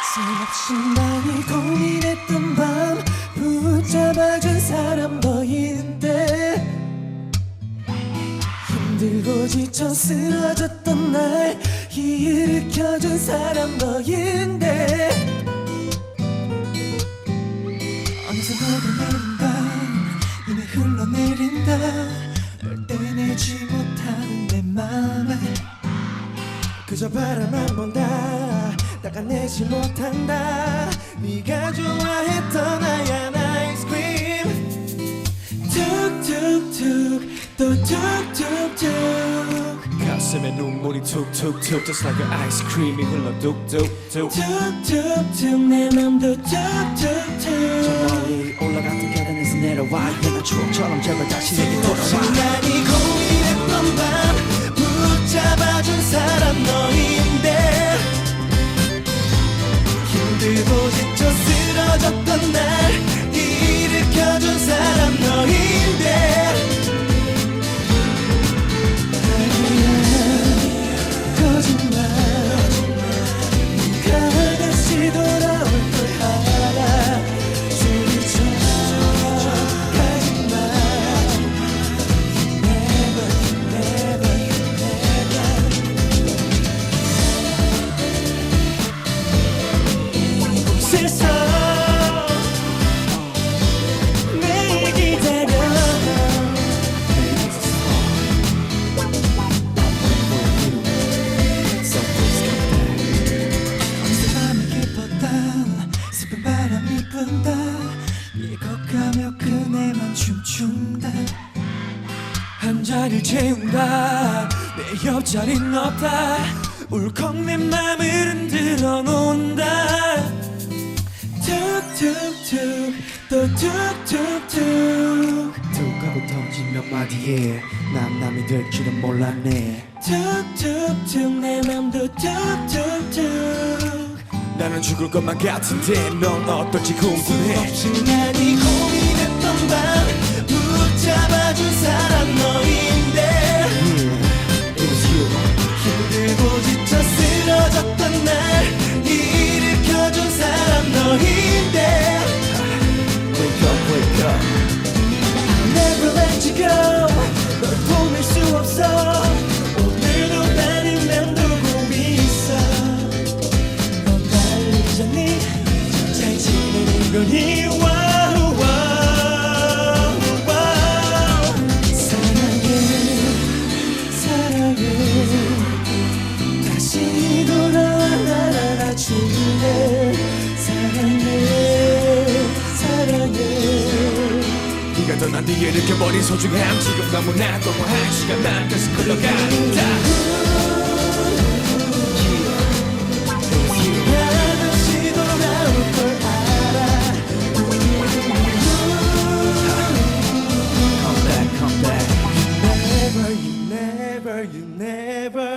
쓸없이 많이 고민했던 밤 붙잡아준 사람 너인데 힘들고 지쳐 쓰러졌던 날 일으켜준 사람 너인데 어느새 너를 내린 밤 이미 흘러내린다 널 떼내지 못하는 내 맘을 그저 바라만 본다 닦아내지 못한다 네가 좋아했던 하얀 아이스크림 툭툭툭 또 툭툭툭 가슴에 눈물이 툭툭툭 Just like an ice cream이 흘러 뚝뚝뚝 툭툭툭 내 맘도 툭툭툭 저 멀리 올라갔던 계단에서 내려와 옛날 추억처럼 제발 다시 내게 돌아와 많이 고민했던 밤 붙잡아준 사람 너인데 힘들고 지쳐 쓰러졌던 날 일으켜준 사람 너인데 아니야 거짓말 네가 다시 돌아올 걸 알아 소리쳐 가지마 이곳에서 매일 기다려 어느새 밤이 깊었다 슬픈 바람이 분다 익어가며 그네만 춤춘다 한 자리를 채운다 내 옆자리는 없다 울컥 내 맘을 흔들어 놓는다 툭툭툭 또 툭툭툭 툭 하고 던진 몇 마디에 남남이 될 줄은 몰랐네 툭툭툭 내 맘도 툭툭툭 나는 죽을 것만 같은데 넌 어떨지 궁금해 없이 많이 고민했던 밤 붙잡아준 사람 너인데 It was you 힘들고 지쳐 쓰러졌던 날 일으켜준 사람 너인데 Wake up, wake up Never let you go 널 보낼 수 없어 오늘도 나는 맴돌고 있어 넌 날 잊었니 잘 지내는 거니 와우, 와우, 와우. 사랑해 다시 돌아와 날 알아줄래 사랑해 네가 떠난 뒤에 느껴버린 소중함 지금 너무나 너무한 시간만 계속 흘러간다 다시 돌아올 걸 알아 Come back, come back You never